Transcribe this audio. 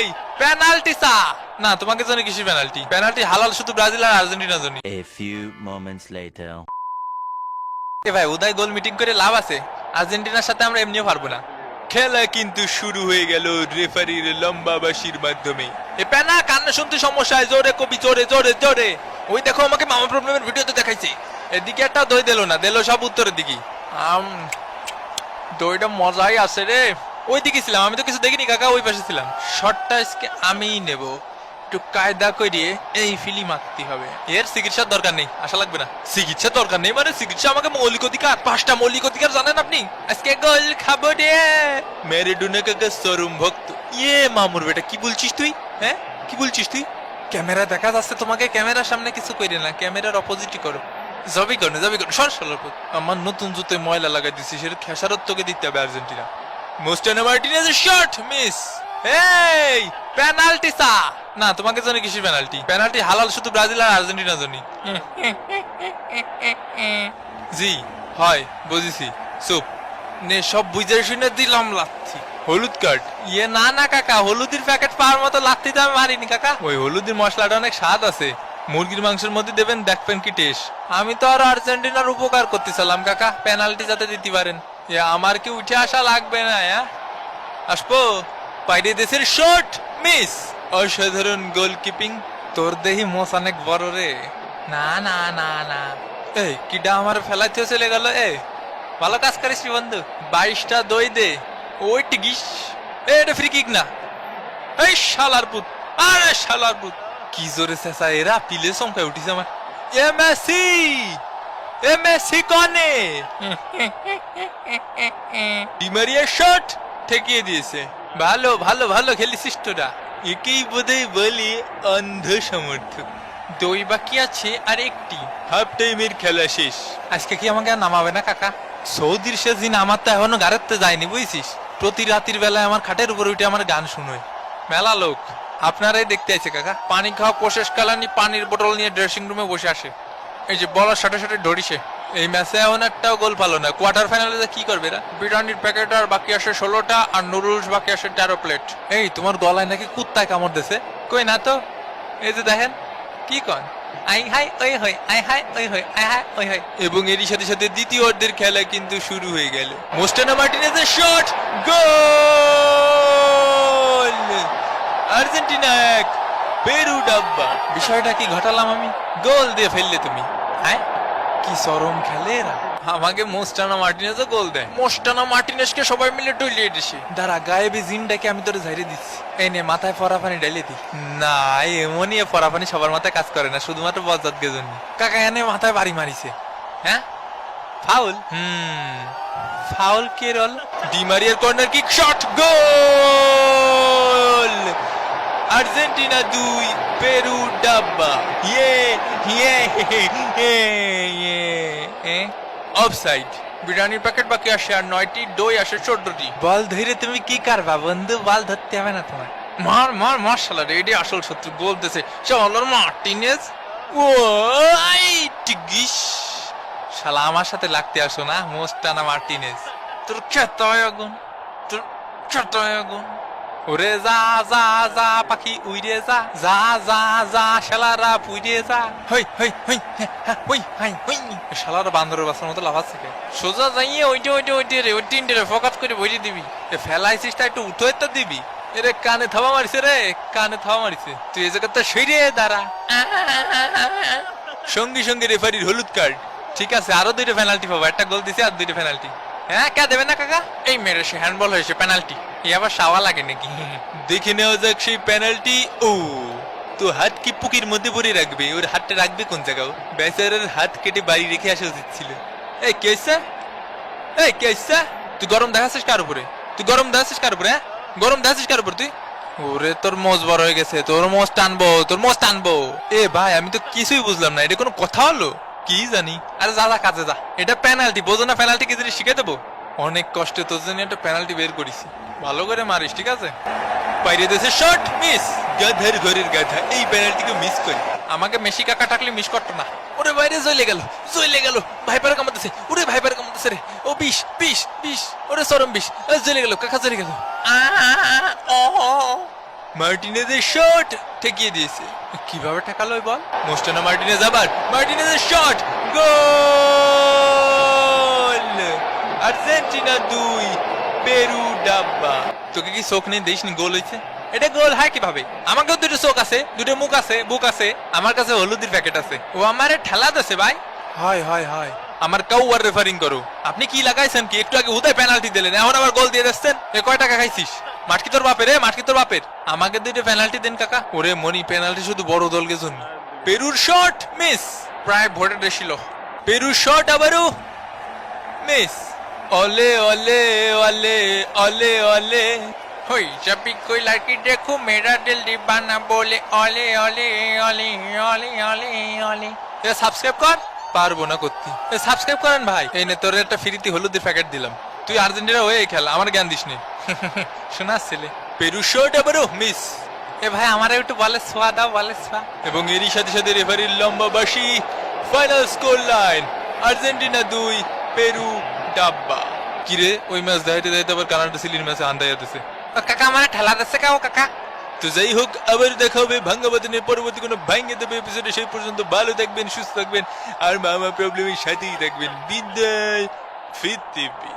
Penalty না তোমাকে জানি কিসের পেনাল্টি? পেনাল্টি হালাল শুধু ব্রাজিল আর আর্জেন্টিনার জন্য। A few moments later. এ ভাই উদয় গোল মিটিং করে লাভ আছে? আর্জেন্টিনার সাথে আমরা এমনিও পারবো না। খেলা কিন্তু শুরু হয়ে গেল রেফারির লম্বা বাঁশির মাধ্যমে। এ পেনা কান্না শুনতে সমস্যা, জোরে কবি, জোরে জোরে জোরে। ওই দেখো আমাকে মামা প্রবলেমের ভিডিওতে দেখাইছে। এদিকে একটা দই দিল না, দিল সব উত্তরের দিকে। দইটা মজাই আছে রে। ওই দিকে ছিলাম, আমি তো কিছু দেখিনি কাকা, ওই পাশে ছিলাম। শটটা আজকে আমিই নেব, একটু কায়দা করিয়ে এই ফিলি মারতে হবে। এর চিকিৎসার দরকার নেই, আশা লাগবে না। চিকিৎসার দরকার নেই মানে চিকিৎসা আমাকে মৌলিক অধিকার। 5টা মৌলিক অধিকার জানেন আপনি? আজকে গোল খাবো রে। ম্যারাডোনা কাকা চরম ভক্ত। ইয়ে মামুর বেটা, কি বলছিস তুই? হ্যাঁ কি বলছিস তুই? ক্যামেরা দেখা যাচ্ছে তোমাকে, ক্যামেরার সামনে কিছু কইরে না, ক্যামেরার অপোজিটই করো। যাবি করো সর সরপুত। আমার নতুন জুতোয় ময়লা লাগাই দিচ্ছি, সেটা খেসারত তোকে দিতে হবে আর্জেন্টিনা। মোস্টানা মার্টিনেজের শট মিস। এই পেনাল্টি না তোমাকে জানি কিসের পেনাল্টি? পেনাল্টি হালাল শুধু ব্রাজিল আর আর্জেন্টিনার জন্য। জি হয় বুঝেছি, চুপ নে, সব বুঝে শুনে দিলাম লাথি। হলুদ কার্ড? ইয়ে না না কাকা, হলুদের প্যাকেট পাওয়ার মতো লাথি তো আমি মারিনি কাকা। ওই হলুদের মশলাটা অনেক স্বাদ আছে, মুরগির মাংসের মধ্যে দেবেন, দেখবেন কি টেস্ট। আমি তো আর আর্জেন্টিনার উপকার করতে চাইলাম কাকা, পেনাল্টি যাতে দিতে পারেন। আমার কি উঠে আসা লাগবে না? আসবো। বাইরে দেশের শট মিস। অসাধারণ গোলকিপিং। তোর দেহি মোস অনেক বড় রে। না না না না, এই কিডা আমার ফেলাইতে চলে গেল। ভালো কাজ করিস বন্ধু। 22টা দই দে। ওই টিকিস। এটা ফ্রি কিক না। এই শালার পুত, আরে শালার পুত, কি জোরে চেঁচা এরা, পিলে চমকায় উঠিছে আমার। মেসি কনে? ডিমারিয়ার শট ঠেকিয়ে দিয়েছে। ভালো ভালো ভালো খেলিছিস তোরা। একেই বোধহয় বলি অন্ধ সমর্থক। দই বাকি আছে আর একটি। হাফ টাইমের খেলা শেষ। আজকে কি আমাকে আর নামাবে না কাকা? সৌদির শেষ দিন আমার তো এখনো গাড়িতে যায়নি বুঝছিস। প্রতি রাতের বেলায় আমার খাটের উপর উঠে আমার গান শুনোয় মেলা লোক। আপনারাই দেখতে আছে কাকা। পানি খাওয়া প্রশেষ কালানি পানির বোতল নিয়ে ড্রেসিং রুমে বসে আসে। এই যে বলার সাথে সাথে ধরিছে। এই ম্যাচে এমন একটাও গোল পালো না। কোয়ার্টার ফাইনালে কি করবে এরা? বিরিয়ানির প্যাকেট আর বাকি আসে 16টা, আর নুডলস বাকি আসে 13 প্লেট। এই তোমার গলায় নাকি কুত্তায় কামড় দিছে? কই না তো। এই যে দেখেন কি কন, আই হাই ওই হই, আই হাই ওই হই, আই হাই ওই হই। এবং এরই সাথে সাথে দ্বিতীয় অর্ধের খেলা কিন্তু শুরু হয়ে গেল। মোস্টানা মার্টিনেজের শট, গোল! আর্জেন্টিনা 1, পেরু ডাব্বা। বিষয়টা কি ঘটালাম আমি? গোল দিয়ে ফেললে তুমি। হ্যাঁ কি চরম খেলে এরা। আমাকে মোস্টানা মার্টিনেজও গোল দেয়। মোস্টানা মার্টিনেজকে সবাই মিলে ডলিয়ে দিছে। দাঁড়া, গায়েবী জিনটাকে আমি তোরে ঝাইরে দিচ্ছি। এই নে মাথায় ফরাফানি ডাইলে দি। না এমনই ফরাফানি সবার মাথায় কাজ করে না, শুধুমাত্র বজ্জাতকে জন্য। কাকা এনে মাথায় বাড়ি মারিছে। হ্যাঁ ফাউল। ফাউল কে রল? ডিমারিয়ার corner kick shot, goal! Argentina 2, Peru ডাব্বা। অফসাইড। বিরিয়ানির প্যাকেট বাকি আসে আর 9টি, দই আসে 14টি। বল ধরে তুমি কি করবা বন্ধু? বল ধরতে হবে না তোমার। মার মার মার শালা রে, এডি আসল শত্রু। গোল দিছে শালার মার্টিনেজ। ও টিগিস, শালা আমার সাথে লাগতে আসো না মোস্টানা মার্টিনেজ। তোর খেতায় আগুন, তোর খেতায় আগুন। ওরে যা যা যা পাখি উইরে যা, যা যা যা শালারা পুইরে যা। হই হই হই হই হাই হই। শালারা বান্দরের বাসার মতো লাফাচ্ছে কে? সোজা যাইয়ে ওইটা ওইটা ওইটা রে, ওই তিনটে ফোকাস করে বইরে দিবি। ফেলাইছিস তা একটু উঠো তো দিবি। এরে কানে থাবা মারিছে রে, কানে থাবা মারিছে। তুই এই জায়গাতে সইরে দাঁড়া। সঙ্গে সঙ্গে রেফারির হলুদ কার্ড। ঠিক আছে, আরো 2টা পেনাল্টি পাবো। একটা গোল দিছে আর 2টা পেনাল্টি। হ্যাঁ কে দেবে না কাকা? এই মেরে সে হ্যান্ডবল হয়েছে, পেনাল্টি। এই আবার সাওয়া লাগে নাকি? দেখে নেওয়া যাক সেই পেনাল্টি। ও তো হাত কি পুকির মধ্যে ভরে রাখবে? ওর হাতটা রাখবে কোন জায়গায়? বেচারের হাত কেটে বাড়ি রেখে আসা উচিত ছিল। এই কেসা, এই কেসা, তুই গরম দেখাচ্ছিস কার উপরে? তুই গরম দেখাচ্ছিস কার উপরে? গরম দেখাচ্ছিস কার উপর তুই? ওরে তোর মোজ বড় হয়ে গেছে, তোর মোজ টানবো, তোর মোজ টানবো। এ ভাই আমি তো কিছুই বুঝলাম না, এটা কোনো কথা হলো? কি জানি। আরে যা যা কাজে যা। এটা পেনাল্টি, বোঝো না? পেনাল্টি কি জিনিস শিখে দেবো? অনেক কষ্টে তোর জন্য একটা পেনাল্টি বের করেছি, ভালো করে মারিস ঠিক আছে? বাইরে দেশে শট মিস। গাধার ঘরের গাধা, এই পেনাল্টিকে মিস করি। আমাকে মেসি কাকা থাকলে মিস করতো না। ওরে বাইরে জ্বলে গেল, জ্বলে গেল। ভাইপারে কামাতেছে, ওরে ভাইপারে কামাতেছে রে। ও বিষ বিষ বিষ, ওরে চরম বিষ। জ্বলে গেল কাকা, জ্বলে গেল। মার্টিনেজের শট ঠেকিয়ে দিয়েছে। কিভাবে ঠেকালো ওই বল? মোস্টানো মার্টিনেজ, আবার মার্টিনেজের শট, গোল! আর্জেন্টিনা 2, পেরু ডাব্বা। তোকে কি চোখ নেই, দেখিসনি গোল হয়েছে? এটা গোল হয় কিভাবে? আমাকেও দুটো চোখ আছে, দুটো মুখ আছে, বুক আছে, আমার কাছে হলুদের প্যাকেট আছে। ও আমারে ঠেলা দিছে ভাই। হয় হয় হয়, আমার কাউয়ার রেফারিং করো। আপনি কি লাগাইছেন কি? একটু আগে হুদায় পেনাল্টি দিলেন, এখন আবার গোল দিয়ে দিচ্ছেন। এ কয় টাকা খাইছিস? মাঠ কি তোর বাপের? মাঠ কি তোর বাপের? আমাকে দুইটা পেনাল্টি দেন কাকা। ওরে মনি, পেনাল্টি শুধু বড় দলকে জন্য। পেরুর শট মিস, প্রায় ভোটে ছিল। পেরুর শট আবারও মিস। ওলে ওলে ওলে ওলে ওলে হই, जब भी कोई लड़की देखो मेरा दिल दीवाना बोले ओले ओले ओले ओले ओले ओले। এ সাবস্ক্রাইব কর। পারবো না করতে। এ সাবস্ক্রাইব করেন ভাই। এই নে তোর একটা ফ্রিতে হলুদের প্যাকেট দিলাম। তুই আর্জেন্টিনা হয়ে খেল, আমার জ্ঞান দিস নি। শোনাস ছেলে। পেরু শট আবারও মিস। এ ভাই আমার একটু বলে ছোঁয়া দাও, বলে ছোঁয়া। এবং এরই সাথে সাথে রেফারির লম্বা বাঁশি। Final score line Argentina 2, Peru ডাব্বা। কিরে ওই ম্যাচ দাইতে দাইতে আবার কানাডা চিলির ম্যাচে আন্দাইয়া দিছে। কাকা আমার ঠেলা দিচ্ছে কাও কাকা। তো যাই হোক, আবার দেখা হবে ভাঙ্গা বাদনের পরবর্তী কোনো ভাঙ্গে দেবে এপিসোডে। সেই পর্যন্ত ভালো থাকবেন, সুস্থ থাকবেন, আর মামা প্রবলেমের সাথেই থাকবেন। বিদায়, ফিরতে